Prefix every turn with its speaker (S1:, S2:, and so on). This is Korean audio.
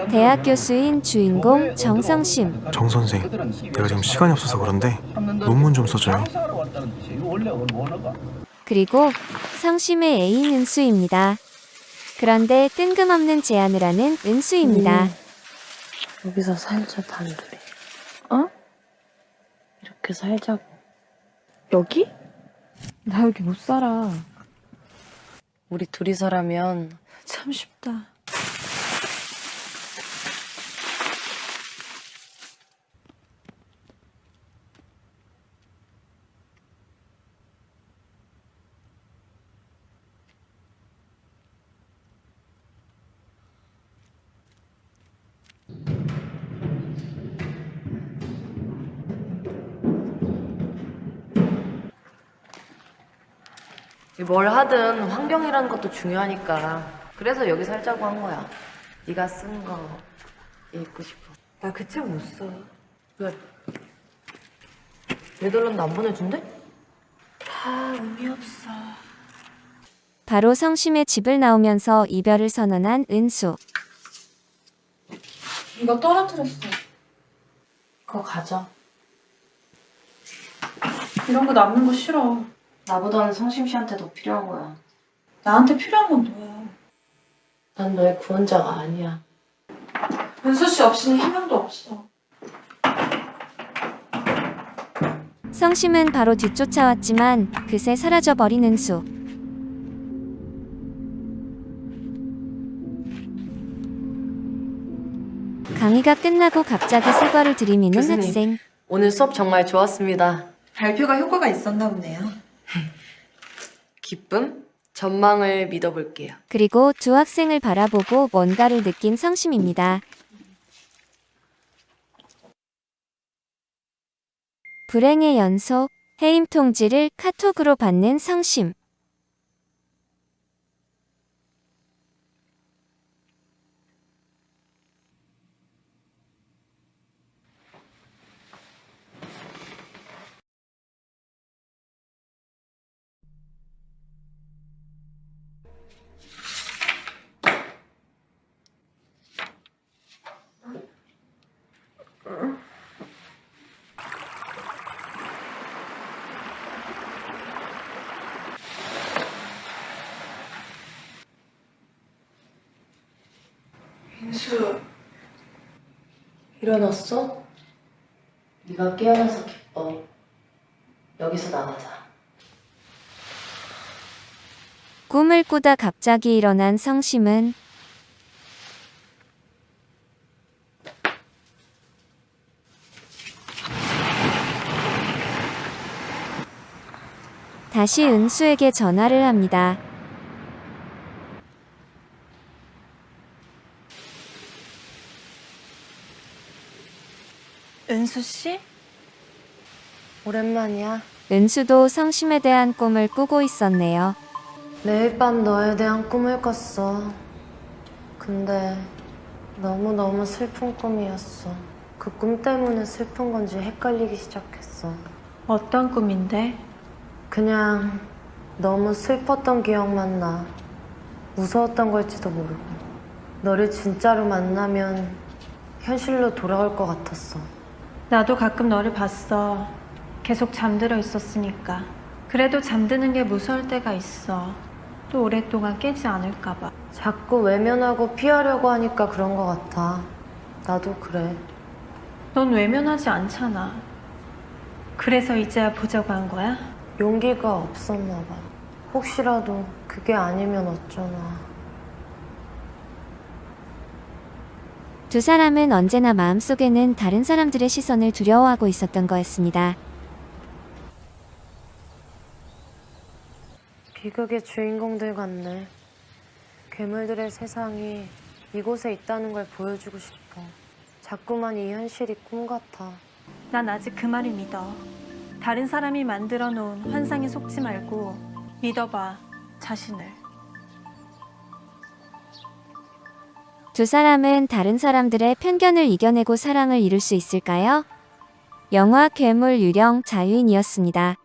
S1: 대학 교수인 주인공 정성심.
S2: 정 선생, 내가 지금 시간이 없어서 그런데 논문 좀 써줘요.
S1: 그리고 성심의 애인 은수입니다. 그런데 뜬금없는 제안을 하는 은수입니다.
S3: 여기서 살자, 단둘이. 어? 이렇게 살자고. 여기? 나 여기 못 살아. 우리 둘이서라면 참 쉽다. 뭘 하든 환경이라는 것도 중요하니까. 그래서 여기 살자고 한 거야. 네가 쓴 거 읽고 싶어.
S4: 나 그 책 못 써.
S3: 왜? 네덜란드 안 보내준대?
S4: 다 의미 없어.
S1: 바로 성심의 집을 나오면서 이별을 선언한 은수.
S4: 이거 떨어뜨렸어.
S3: 그거 가져.
S4: 이런 거 남는 거 싫어.
S3: 나보다는 성심 씨한테 더 필요한 거야.
S4: 나한테 필요한 건 너야.
S3: 난 너의 구원자가 아니야.
S4: 은수 씨 없이는 희망도 없어.
S1: 성심은 바로 뒤쫓아왔지만 그새 사라져버린 은수. 강의가 끝나고 갑자기 사과를 들이미는
S3: 교수님.
S1: 학생.
S3: 오늘 수업 정말 좋았습니다.
S4: 발표가 효과가 있었나 보네요.
S3: 기쁨? 전망을 믿어볼게요.
S1: 그리고 두 학생을 바라보고 뭔가를 느낀 성심입니다. 불행의 연속, 해임 통지를 카톡으로 받는 성심.
S4: 은수,
S3: 일어났어? 네가 깨어나서 기뻐. 여기서 나가자.
S1: 꿈을 꾸다 갑자기 일어난 성심은 다시 은수에게 전화를 합니다.
S4: 은수 씨?
S3: 오랜만이야.
S1: 은수도 성심에 대한 꿈을 꾸고 있었네요.
S3: 매일 밤 너에 대한 꿈을 꿨어. 근데 너무너무 슬픈 꿈이었어. 그 꿈 때문에 슬픈 건지 헷갈리기 시작했어.
S4: 어떤 꿈인데?
S3: 그냥 너무 슬펐던 기억만 나. 무서웠던 걸지도 모르고. 너를 진짜로 만나면 현실로 돌아올 것 같았어.
S4: 나도 가끔 너를 봤어. 계속 잠들어 있었으니까. 그래도 잠드는 게 무서울 때가 있어. 또 오랫동안 깨지 않을까 봐.
S3: 자꾸 외면하고 피하려고 하니까 그런 것 같아. 나도 그래.
S4: 넌 외면하지 않잖아. 그래서 이제야 보자고 한 거야?
S3: 용기가 없었나 봐. 혹시라도 그게 아니면 어쩌나.
S1: 두 사람은 언제나 마음속에는 다른 사람들의 시선을 두려워하고 있었던 거였습니다.
S3: 비극의 주인공들 같네. 괴물들의 세상이 이곳에 있다는 걸 보여주고 싶어. 자꾸만 이 현실이 꿈 같아.
S4: 난 아직 그 말을 믿어. 다른 사람이 만들어 놓은 환상에 속지 말고 믿어봐, 자신을.
S1: 두 사람은 다른 사람들의 편견을 이겨내고 사랑을 이룰 수 있을까요? 영화 괴물 유령 자유인이었습니다.